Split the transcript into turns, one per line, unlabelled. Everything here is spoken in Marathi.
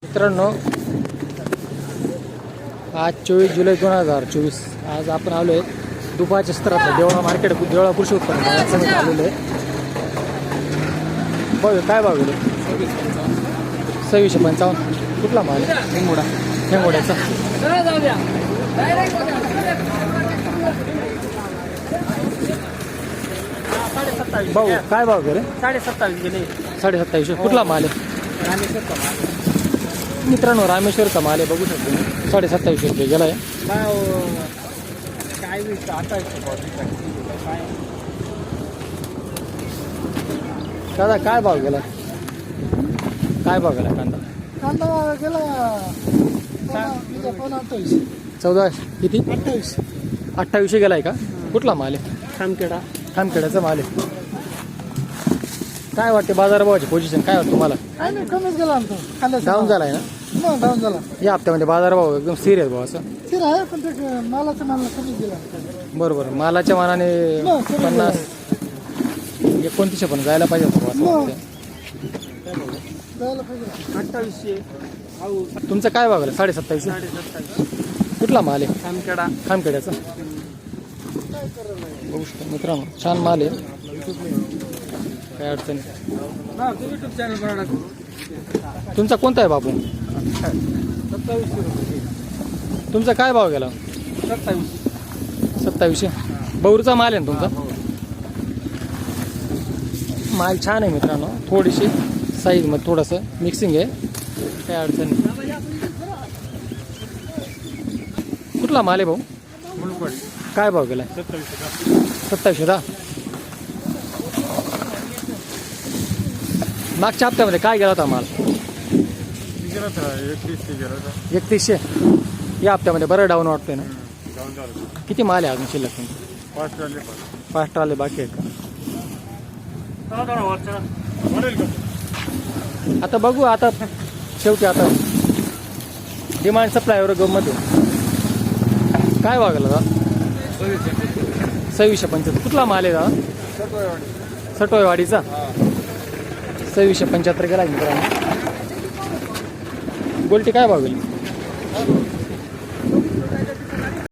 मित्रांनो, आज 24 जुलै 2024. आज आपण आलो आहे दुपारच्या सत्रात देवळा मार्केट, देवळा कृषी उत्पन्न बाजारात आलेलो आहे. बघ काय भाव गेलो? 2655. कुठला माल? हेंगोडा. हेंगोड्याचा. भाऊ काय भाव गेले?
27.5 गेले.
27.5. कुठला माल आहे? मित्रांनो, रामेश्वरचा माल आहे, बघू शकतो. 27.5 रुपये गेला आहे. दादा काय भाव गेला? काय भाव गेला कांदा?
कांदा गेला
14 किती? 28 गेलाय का? कुठला माल आहे?
खामखेडा.
खामखेड्याचा माल आहे. काय वाटते बाजारभावाची पोझिशन काय वाटतं तुम्हाला?
कमीच गेला आमचा.
डाऊन झालाय ना
डाऊन झाला.
या हप्त्यामध्ये बाजारभाव एकदम सिरियस भाव असं?
स्थिर आहे, पण ते मालाच्या कमीच गेला.
बरोबर. मालाच्या मानाने 50 29 पण जायला पाहिजे होतं असं वाटतं.
जायला पाहिजे. 2800.
तुमचं काय भाव गेला? 27.5.
27.5.
कुठला माल आहे?
खामखेडा.
खामखेड्याचा. बघू शकतो मित्रांनो, छान माल आहे, काय अडचण नाही.
युट्यूब चॅनल बनवणार.
तुमचा कोणता आहे बाबू?
2700.
तुमचा काय भाव गेला? 2700. बौरचा माल आहे ना तुमचा? माल छान आहे मित्रांनो, थोडीशी साईजमध्ये थोडंसं मिक्सिंग आहे, काय अडचण नाही. कुठला माल आहे भाऊ? काय भाव गेला? 2710. मागच्या हप्त्यामध्ये काय गेला होता माल? 3100. या हप्त्यामध्ये बरं डाऊन वाटतोय ना? किती माल आहे अजून शिल्लक तुमची? 5 ट्राले बाकी आहेत का? आता बघू, आता शेवटी आता डिमांड सप्लायवर गमत आहे. काय भाव गेला दादा? 2675. कुठला माल आहे दादा? सटोयवाडीचा. 2675 गेला मित्रांनो. गोल्टी काय भाव गेली?